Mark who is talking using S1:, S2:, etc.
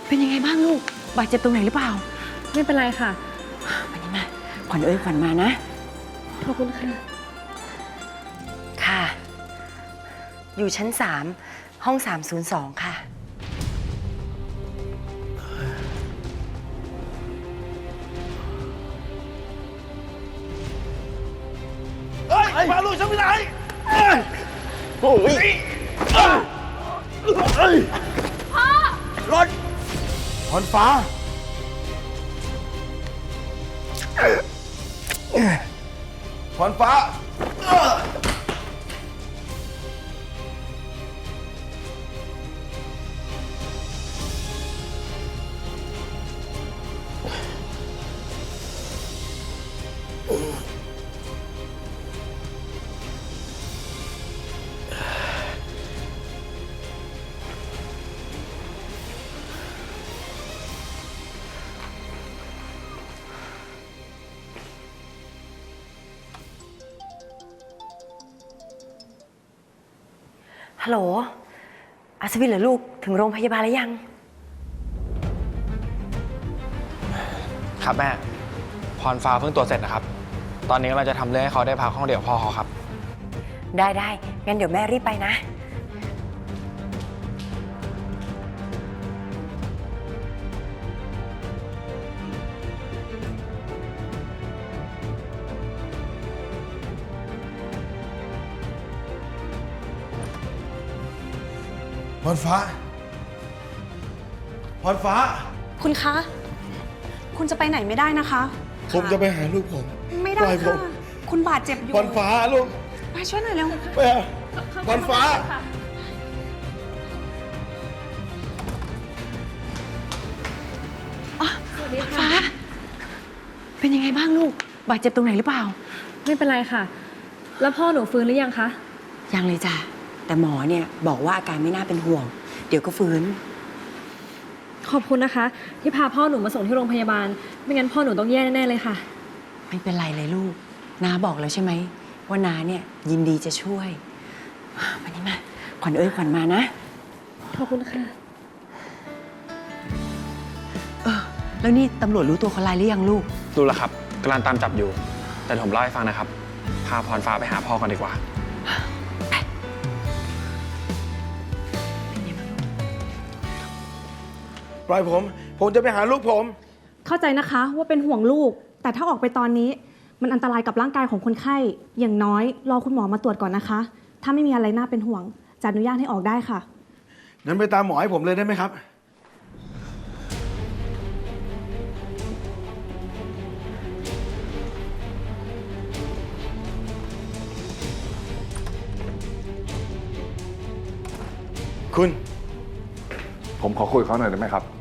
S1: เป็นยังไงบ้างลูกบาดเจ็บตรงไหนหรือเปล่า
S2: ไม่เป็นไรค่ะ
S1: วันนี้มาขวัญขวัญมานะ
S2: ขอบคุณค่ะ
S1: ค่ะอยู่ชั้น3ห้อง302ค่ะ
S3: มาลูกฉันไปไหนโอ้ยพ่อรถพรฟ้าพรฟ้า
S1: ฮัลโหลอัศวินเหรอลูกถึงโรงพยาบาลแล้วยัง
S4: ครับแม่พรฟ้าเพิ่งตรวจเสร็จนะครับตอนนี้เราจะทำเรื่องให้เขาได้พักห้องเดี่ยวพ่อเขาครับ
S1: ได้งั้นเดี๋ยวแม่รีบไปนะ
S3: พรฟ้าพรฟ้า
S2: คุณคะคุณจะไปไหนไม่ได้นะคะ
S3: ผมจะไปหาลูกผม
S2: ไม่ได้ค่ะคุณบาดเจ็บอยู่
S3: พรฟ้าลูก
S2: มาช่วยหน่อยเร็ว
S3: ไปพรฟ้า
S1: ฟ้าเป็นยังไงบ้างลูกบาดเจ็บตรงไหนหรือเปล่า
S2: ไม่เป็นไรค่ะแล้วพ่อหนูฟื้นหรือยังคะ
S1: ยังเลยจ้ะแต่หมอเนี่ยบอกว่าอาการไม่น่าเป็นห่วงเดี๋ยวก็ฟื้น
S2: ขอบคุณนะคะที่พาพ่อหนูมาส่งที่โรงพยาบาลไม่งั้นพ่อหนูต้องแย่แน่ๆเลยค่ะ
S1: ไม่เป็นไรเลยลูกน้าบอกแล้วใช่ไหมว่าน้าเนี่ยยินดีจะช่วยวันนี้มาขวัญขวัญมานะ
S2: ขอบคุณค่ะ
S1: แล้วนี่ตำรวจรู้ตัวคนร้ายหรือยังลูก
S4: รู้แล้วครับกำลังตามจับอยู่แต่ผมเล่าให้ฟังนะครับพาพรฟ้าไปหาพ่อกันดีกว่า
S3: ปล่อยผมจะไปหาลูกผม
S2: เข้าใจนะคะว่าเป็นห่วงลูกแต่ถ้าออกไปตอนนี้มันอันตรายกับร่างกายของคนไข้อย่างน้อยรอคุณหมอมาตรวจก่อนนะคะถ้าไม่มีอะไรน่าเป็นห่วงจะอนุญาตให้ออกได้ค่ะ
S3: งั้นไปตามหมอให้ผมเลยได้ไหมครับคุณ
S5: ผมขอคุยกับเขาหน่อยได้ไหมครับ